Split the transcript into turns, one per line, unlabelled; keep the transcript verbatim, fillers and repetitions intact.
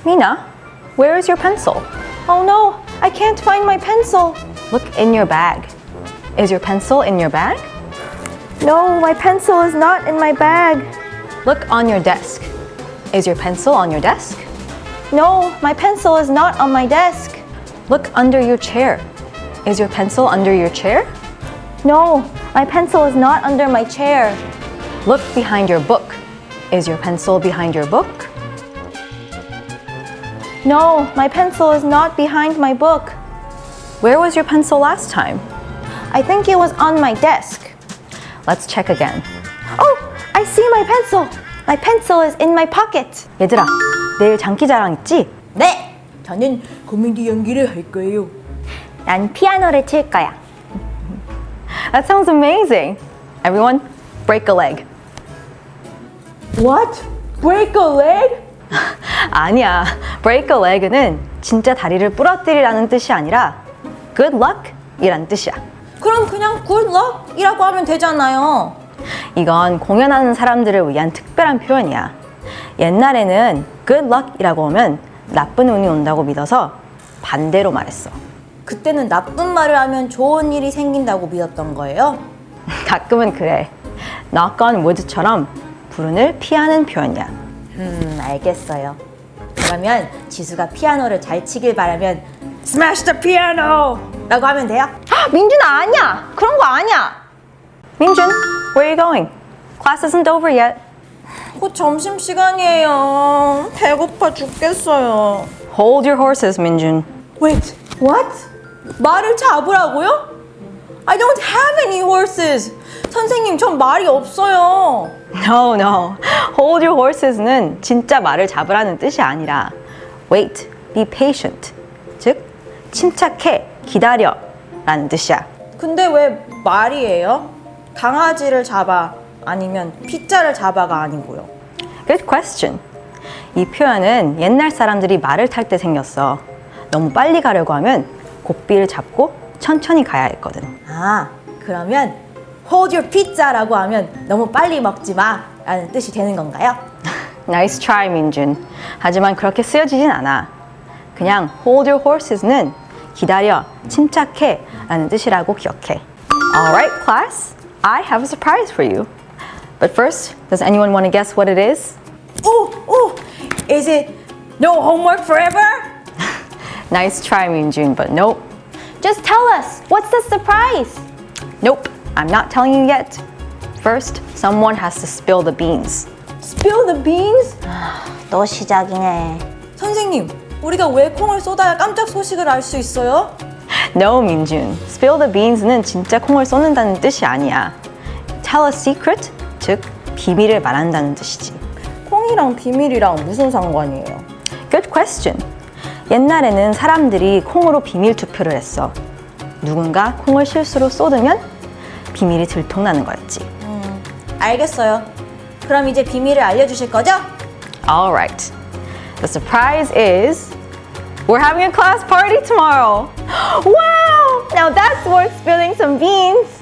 Mina, where is your pencil?
Oh no, I can't find my pencil.
Look in your bag. Is your pencil in your bag?
No, my pencil is not in my bag.
Look on your desk. Is your pencil on your desk?
No, my pencil is not on my desk.
Look under your chair. Is your pencil under your chair?
No, my pencil is not under my chair.
Look behind your book. Is your pencil behind your book?
No, my pencil is not behind my book.
Where was your pencil last time?
I think it was on my desk.
Let's check again.
Oh, I see my pencil. My pencil is in my pocket.
얘들아, 내일 장기자랑 있지?
네, 저는 코미디 연기를 할 거예요. 난 피아노를 칠 거야.
That sounds amazing. Everyone, break a leg.
What? Break a leg?
아니야. break a leg는 진짜 다리를 부러뜨리라는 뜻이 아니라 good luck 이란 뜻이야.
그럼 그냥 good luck이라고 하면 되잖아요.
이건 공연하는 사람들을 위한 특별한 표현이야. 옛날에는 good luck이라고 하면 나쁜 운이 온다고 믿어서 반대로 말했어.
그때는 나쁜 말을 하면 좋은 일이 생긴다고 믿었던 거예요?
가끔은 그래. knock on wood처럼 불운을 피하는 표현이야.
음, 알겠어요. 그러면 지수가 피아노를 잘 치길 바라면 Smash the piano! 라고 하면 돼요?
아, 민준아 아니야. 그런 거 아니야. 민준, where are you going? Class isn't over yet.
곧 점심시간이에요. 배고파 죽겠어요.
Hold your horses, 민준.
Wait, what? 말을 잡으라고요? I don't have any horses. 선생님, 전 말이 없어요.
No, no. Hold your horses는 진짜 말을 잡으라는 뜻이 아니라 wait, be patient. 즉, 침착해, 기다려 라는 뜻이야.
근데 왜 말이에요? 강아지를 잡아 아니면 피자를 잡아가 아니고요.
Good question. 이 표현은 옛날 사람들이 말을 탈 때 생겼어. 너무 빨리 가려고 하면 고삐를 잡고 천천히 가야 했거든.
아, 그러면 hold your pizza라고 하면 너무 빨리 먹지 마 라는 뜻이 되는 건가요?
Nice try, 민준. 하지만 그렇게 쓰여지진 않아. 그냥 hold your horses는 기다려, 침착해 라는 뜻이라고 기억해. Alright, class. I have a surprise for you. But first, does anyone want to guess what it is?
오, 오, is it no homework forever?
Nice try, 민준, but nope.
Just tell us, what's the surprise?
Nope, I'm not telling you yet. First, someone has to spill the beans.
Spill the beans?
또 시작이네.
선생님, 우리가 왜 콩을 쏟아야 깜짝 소식을 알 수 있어요?
No, 민준. Spill the beans는 진짜 콩을 쏟는다는 뜻이 아니야. Tell a secret, 즉 비밀을 말한다는 뜻이지.
콩이랑 비밀이랑 무슨 상관이에요?
Good question. 옛날에는 사람들이 콩으로 비밀 투표를 했어. 누군가 콩을 실수로 쏟으면 비밀이 들통나는 거였지.
음, 알겠어요. 그럼 이제 비밀을 알려주실 거죠?
Alright. The surprise is we're having a class party tomorrow. Wow! Now that's worth spilling some beans.